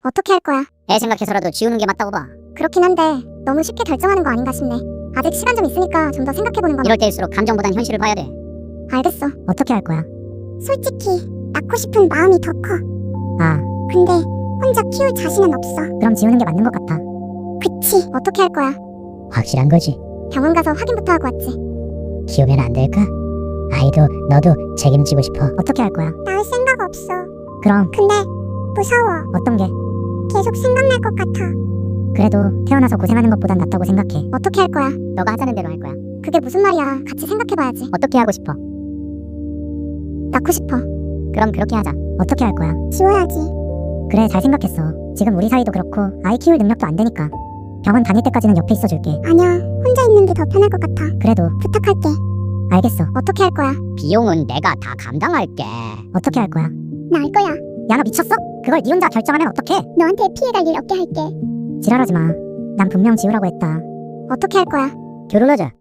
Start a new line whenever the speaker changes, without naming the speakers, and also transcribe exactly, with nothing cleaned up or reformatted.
어떻게 할 거야?
애 생각해서라도 지우는 게 맞다고 봐.
그렇긴 한데 너무 쉽게 결정하는 거 아닌가 싶네. 아직 시간 좀 있으니까 좀 더 생각해보는 건
이럴 때일수록 감정보단 현실을 봐야 돼.
알겠어.
어떻게 할 거야?
솔직히 낳고 싶은 마음이 더 커.
아,
근데 혼자 키울 자신은 없어.
그럼 지우는 게 맞는 것 같아.
그치? 어떻게 할 거야?
확실한 거지.
병원 가서 확인부터 하고 왔지.
키우면 안 될까? 아이도 너도 책임지고 싶어. 어떻게 할 거야?
낳을 생각 없어.
그럼
근데 무서워.
어떤 게?
계속 생각날 것 같아.
그래도 태어나서 고생하는 것보단 낫다고 생각해.
어떻게 할 거야?
너가 하자는 대로 할 거야.
그게 무슨 말이야? 같이 생각해봐야지.
어떻게 하고 싶어?
낳고 싶어.
그럼 그렇게 하자.
어떻게 할 거야?
지워야지.
그래, 잘 생각했어. 지금 우리 사이도 그렇고 아이 키울 능력도 안 되니까 병원 다닐 때까지는 옆에 있어줄게.
아니야. 혼자 있는 게 더 편할 것 같아.
그래도
부탁할게.
알겠어.
어떻게 할 거야?
비용은 내가 다 감당할게.
어떻게 할 거야?
낳을 거야.
야, 너 미쳤어? 그걸 네 혼자 결정하면 어떡해?
너한테 피해갈 일 없게 할게.
지랄하지 마. 난 분명 지우라고 했다.
어떻게 할 거야?
결혼하자.